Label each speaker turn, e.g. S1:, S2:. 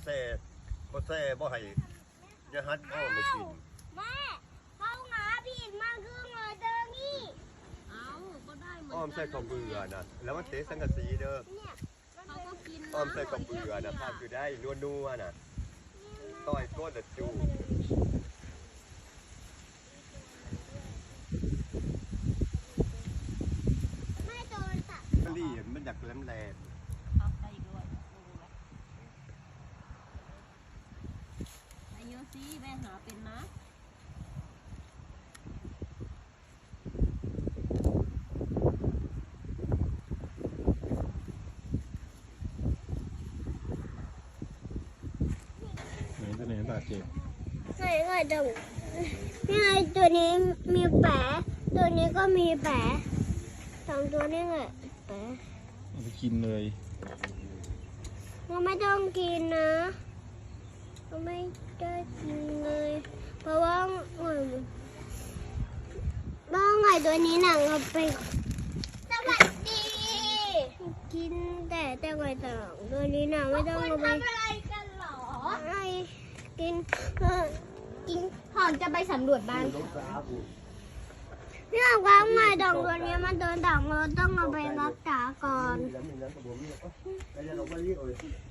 S1: แซ่บ่ให้ยาฮัดอ้อมไม่กิน
S2: แม่เขาหาผิดมาครึ่งเลยเดินนี่เอาก็ได้เหมือนกัน
S1: อ้อมใส่ข้าวเบื่อนะแล้วมันเตะสังกะสีเด้อ
S2: เขาก็กิน
S1: อ้อมใส่ข้าวเบื่อนะภาพคือได้นัวๆน่ะต้อยก้นละจู
S2: ไม่โดนสัตว์
S1: กะลี่มันอยากแหลม
S2: เอาไปด้วยไอโยซี่แม่หาเป็นนะ
S3: ตัวไหนบาดเจ็บ
S2: ไงตรงนี่ไงตัวนี้มีแผลตัวนี้ก็มีแผลสองตัวนี่ไงแผล
S3: เอาไปกินเลย
S2: เราไม่ต้องกินนะเราไม่ได้กินเลยเพราะว่าไงตัวนี้หนังเราไปสวัสดีกินแต่ไงต่างตัวนี้หนังไม่ต้องเอาไปทำอะไรกันหรอไอ้กินหอมจะไปสำรวจบ้านเนี่ยว่าไงดองตัวนี้มันโดนด่างเราต้องเอาไปรักษาก่อน